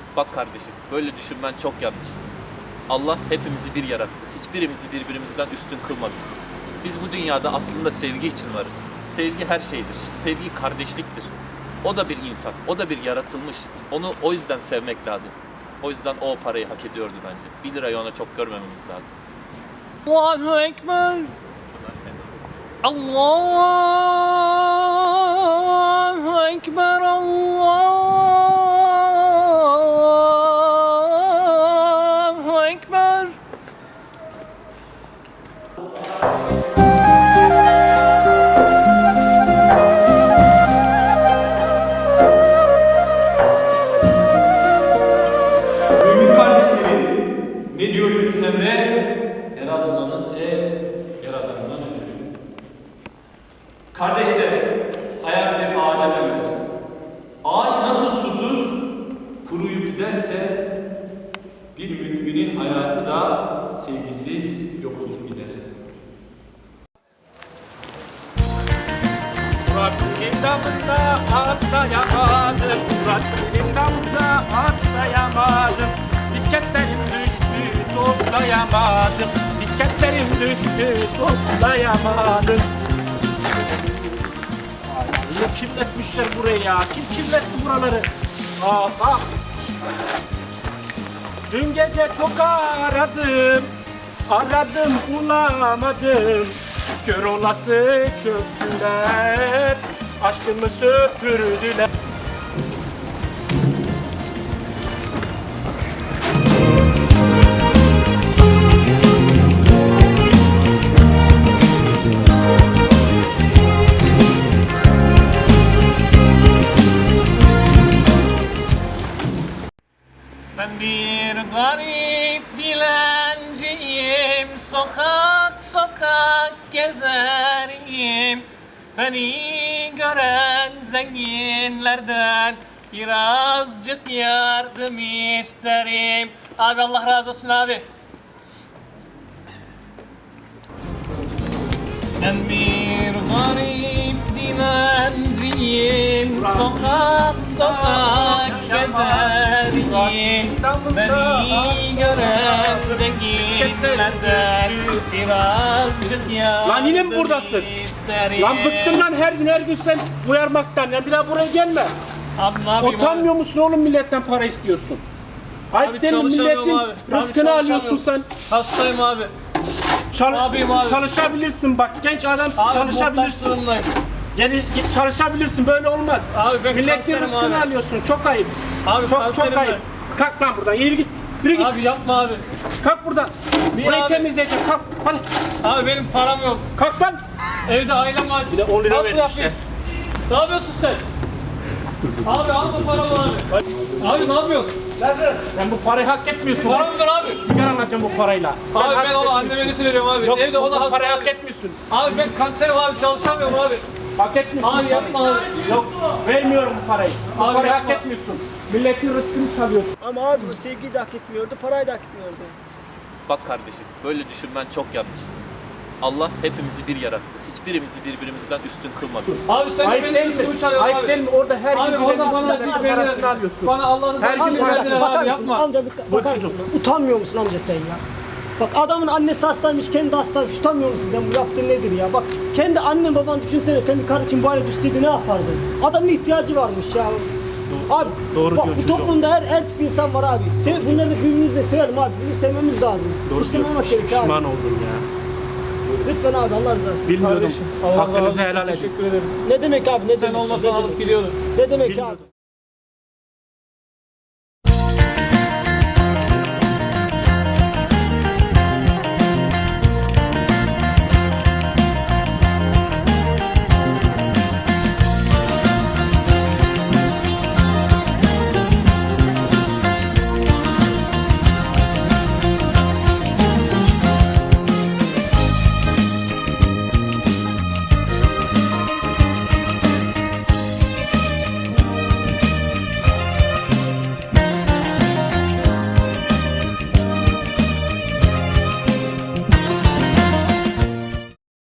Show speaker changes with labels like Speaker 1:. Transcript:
Speaker 1: Bak kardeşim, böyle düşünmen çok yanlış. Allah hepimizi bir yarattı. Hiçbirimizi birbirimizden üstün kılmadı. Biz bu dünyada aslında sevgi için varız. Sevgi her şeydir. Sevgi kardeşliktir. O da bir insan, o da bir yaratılmış. Onu o yüzden sevmek lazım. O yüzden o parayı hak ediyordu bence. 1 lirayı ona çok görmememiz lazım.
Speaker 2: Allahu Ekber. Allahu Ekber. Allahu Ekber.
Speaker 3: Mümin kardeşlerim, ne diyor Yunus Emre? Yaradanı sev, yaradandan ödül. Kardeşler, hayat bir ağaca benzer. Ağaç nasıl susuz, kuruyup giderse, bir müminin hayatı da sevgisiz yok olup gider.
Speaker 4: Murat benim damımda atlayamadım. Murat benim damımda atlayamadım. Bisikletlerim düştü toplayamadım. Bisikletlerim düştü toplayamadım. Ay, kirletmişler burayı ya. Kim kirletti buraları? Bak. Dün gece çok aradım. Aradım bulamadım. Kör olası çöktüler, aşkımı söpürdüler.
Speaker 2: Ben bir garip dilenciyim, sokak sokak gezerim. Beni gören zenginlerden birazcık yardım isterim. Abi Allah razı olsun abi. Ben bir garip dilenciyim, sokak sokak gezerim. Beni gören zenginlerden birazcık yardım
Speaker 4: Lan yine mi buradasın?
Speaker 2: isterim.
Speaker 4: Lan bıktım lan her gün sen uyarmaktan. Ya bir daha buraya gelme.
Speaker 2: Abi ne yapayım
Speaker 4: Utanmıyor musun oğlum, milletten para istiyorsun? Ayıp değil mi? Milletin rızkını alıyorsun sen.
Speaker 2: Hastayım abi. Ne yapayım abi?
Speaker 4: Çalışabilirsin bak, genç adamsın,
Speaker 2: Abi
Speaker 4: çalışabilirsin.
Speaker 2: montajlarındayım.
Speaker 4: Git çalışabilirsin, böyle olmaz.
Speaker 2: Abi ben
Speaker 4: Milletin
Speaker 2: kanserim
Speaker 4: rızkını
Speaker 2: abi.
Speaker 4: alıyorsun, çok ayıp.
Speaker 2: Abi
Speaker 4: Çok
Speaker 2: kanserim
Speaker 4: ayıp.
Speaker 2: ben.
Speaker 4: Kalk lan buradan, yürü git. Yürü git.
Speaker 2: Abi yapma abi.
Speaker 4: Kalk buradan.
Speaker 2: Niye
Speaker 4: Burayı
Speaker 2: abi?
Speaker 4: temizleyeceğim, kalk. Hadi.
Speaker 2: Abi benim param yok.
Speaker 4: Kalk lan.
Speaker 2: Evde ailem var.
Speaker 4: Bir de 10 lira
Speaker 2: Nasıl
Speaker 4: vermişler.
Speaker 2: yapayım? Ne yapıyorsun sen? Abi alma paramı abi. Abi ne yapıyorsun?
Speaker 4: Sen bu parayı hak etmiyorsun.
Speaker 2: Paramı ver abi.
Speaker 4: Sigara alacağım bu parayla. Sen
Speaker 2: Abi
Speaker 4: hak
Speaker 2: ben onu
Speaker 4: etmiyorsun.
Speaker 2: anneme götürüyorum abi.
Speaker 4: Yok,
Speaker 2: Evde o da
Speaker 4: bu
Speaker 2: hasta
Speaker 4: parayı
Speaker 2: abi.
Speaker 4: hak etmiyorsun.
Speaker 2: Abi ben kanserim abi, çalışamıyorum abi.
Speaker 4: Hak etmiyorsun.
Speaker 2: Abi yapma abi.
Speaker 4: Yok, vermiyorum bu parayı. Bu
Speaker 2: Abi
Speaker 4: parayı
Speaker 2: yapma.
Speaker 4: hak etmiyorsun. Milletin rızkını çalıyorsun.
Speaker 5: Ama abi bu sevgiyi de hak etmiyordu, parayı da hak etmiyordu.
Speaker 1: Bak kardeşim, böyle düşünmen çok yanlış. Allah hepimizi bir yarattı. Hiçbirimizi birbirimizden üstün kılmadı.
Speaker 2: Abi sen de
Speaker 4: Ayıp
Speaker 2: benim
Speaker 4: değil mi?
Speaker 2: üstümü çalıyorsun
Speaker 4: Ayıp
Speaker 2: abi.
Speaker 4: değil mi? Orada her
Speaker 2: Abi
Speaker 4: gün
Speaker 2: orada bana
Speaker 4: milletin
Speaker 2: acı
Speaker 4: parasını
Speaker 2: verin.
Speaker 4: alıyorsun.
Speaker 2: Bana Allah'ın
Speaker 4: Her gün
Speaker 2: rızası
Speaker 4: parasını
Speaker 2: için
Speaker 5: Bakar
Speaker 2: abi
Speaker 5: mısın?
Speaker 2: yapma.
Speaker 5: Amca bir bakar mısın? Utanmıyor musun amca sen ya? Bak adamın annesi hastaymış, kendi hastaymış. Utanmıyor musun sen? Bu yaptığın nedir ya? Bak kendi annen baban düşünsene, kendi karı için bu hale düşseydi ne yapardın? Adamın ihtiyacı varmış ya. Abi
Speaker 4: Doğru
Speaker 5: bak
Speaker 4: diyorsun
Speaker 5: bu toplumda her tip insan var abi. Bunları da birbirimizle sevelim abi. Birbirini sevmemiz lazım. Dışlamamak gerekiyor abi.
Speaker 4: Pişman oldum ya.
Speaker 5: Lütfen abi Allah razı olsun.
Speaker 4: Bilmiyordum.
Speaker 2: Kardeşim, Allah razı
Speaker 4: Hakkınızı
Speaker 2: olsun,
Speaker 4: helal edin.
Speaker 2: teşekkür ederim.
Speaker 5: Ne demek abi ne
Speaker 2: Sen
Speaker 5: demek?
Speaker 2: olmasan
Speaker 5: Ne
Speaker 2: alıp
Speaker 5: demek?
Speaker 2: gidiyordum.
Speaker 5: Ne demek
Speaker 4: Bilmiyordum.
Speaker 5: abi?